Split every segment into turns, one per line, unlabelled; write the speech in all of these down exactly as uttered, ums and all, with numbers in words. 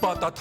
ตท.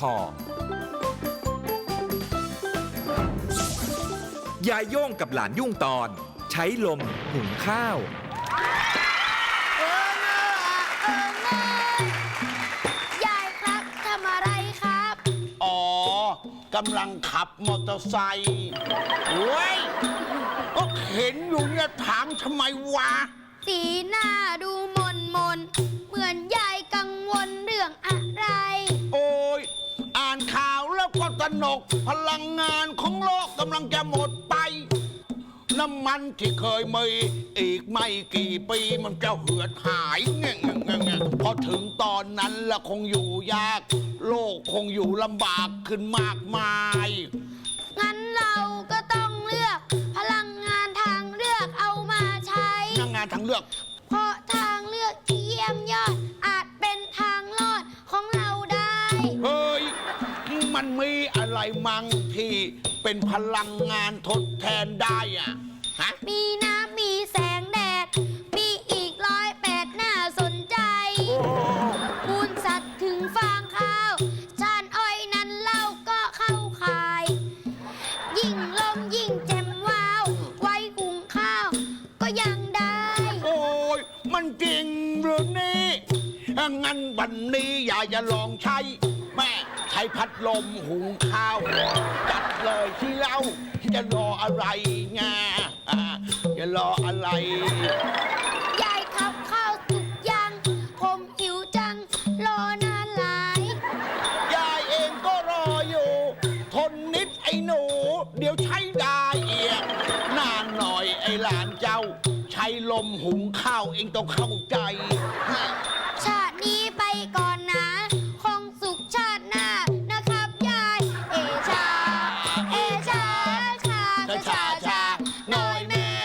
ยายโย่งกับหลานยุ่งตอนใช้ลมหุงข้าว
เออเนอะเออเนอะยายครับทำอะไรครับ
อ๋อกำลังขับมอเตอร์ไซค์เว้ยก็เห็นอยู่เนี่ยถามทำไมวะ
สีหน้าดูมนมนเหมือนยายกังวลเรื่องอะไร
โอ้ยอ่านข่าวแล้วก็ตระหนกพลังงานของโลกกำลังจะหมดไปน้ำมันที่เคยมีอีกไม่กี่ปีมันจะเหือดหายเงี้ยเงี้ยเงี้ยพอถึงตอนนั้นละคงอยู่ยากโลกคงอยู่ลำบากขึ้นมากมาย
งั้นเราก็ต้องเลือกพลังงานทางเลือกเอามาใช้
พลังงานทางเลือก
เพราะทางเลือกที่เยี่ยมยอดอาจเป็นทางรอดของเราได้
เฮ้ยมันมีอะไรมั่งที่เป็นพลังงานทดแทนได้อะฮะ
มีน้ำมีแสงแดดมีอีกร้อยแปดน่าสนใจมูลสัตว์ถึงฟางข้าวชานอ้อยนั้นเล่าก็เข้าข่ายยิ่งลมยิ่งแจ่มว้าวไว้หุงข้าวก็ยังได้
โอ้ยมันจริงหรือนี่งั้นวันนี้อยากจะลองใช้แม่ใช้พัดลมหุงข้าวจัดเลยที่เล่าจะรออะไรไงจะรออะไร
ยายขับข้าวสุกยังผมหิวจังรอนานหลาย
ยายเองก็รออยู่ทนนิดไอ้หนูเดี๋ยวใช้ได้เอียงนานหน่อยไอ้หลานเจ้าใช้ลมหุงข้าวเองต้องเข้าใจ
ชาตินี้ไปก่อนนะคงสุขชาติหน้านะครับยายเอชาเอชาชาชาชาน้อยแม่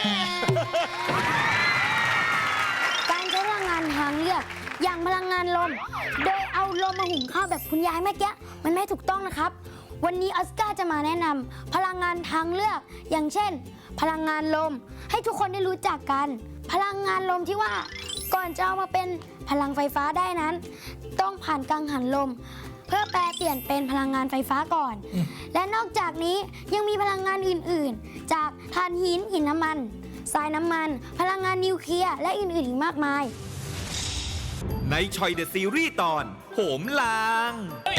การใช้พลังงานทางเลือกอย่างพลังงานลมโดยเอาลมมาหุงข้าวแบบคุณยายเมื่อกี้มันไม่ถูกต้องนะครับวันนี้ออสการ์จะมาแนะนำพลังงานทางเลือกอย่างเช่นพลังงานลมให้ทุกคนได้รู้จักกันพลังงานลมที่ว่าก่อนจะเอามาเป็นพลังไฟฟ้าได้นั้นต้องผ่านกังหันลมเพื่อแปลเปลี่ยนเป็นพลังงานไฟฟ้าก่อนและนอกจากนี้ยังมีพลังงานอื่นๆจากถ่านหินหินน้ำมันทรายน้ำมันพลังงานนิวเคลียร์และอื่นๆอีกมากมาย
ในชอยเดอะซีรีส์ตอนโหมลาง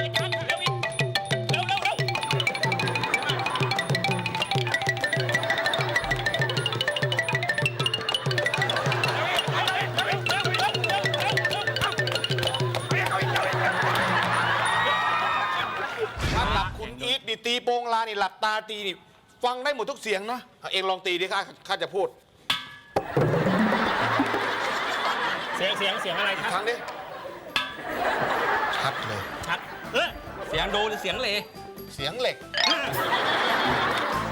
นี่ตีโปงลานี่หลับตาตีนี่ฟังได้หมดทุกเสียงนะเองลองตีดิข้าข้าจะพูด
เสียงเสียงเสียงอะไรครับ
ครั้งดิชัดเลย
ชัดเออเสียงโดหรือเสียงเหล
เสียงเหล็ก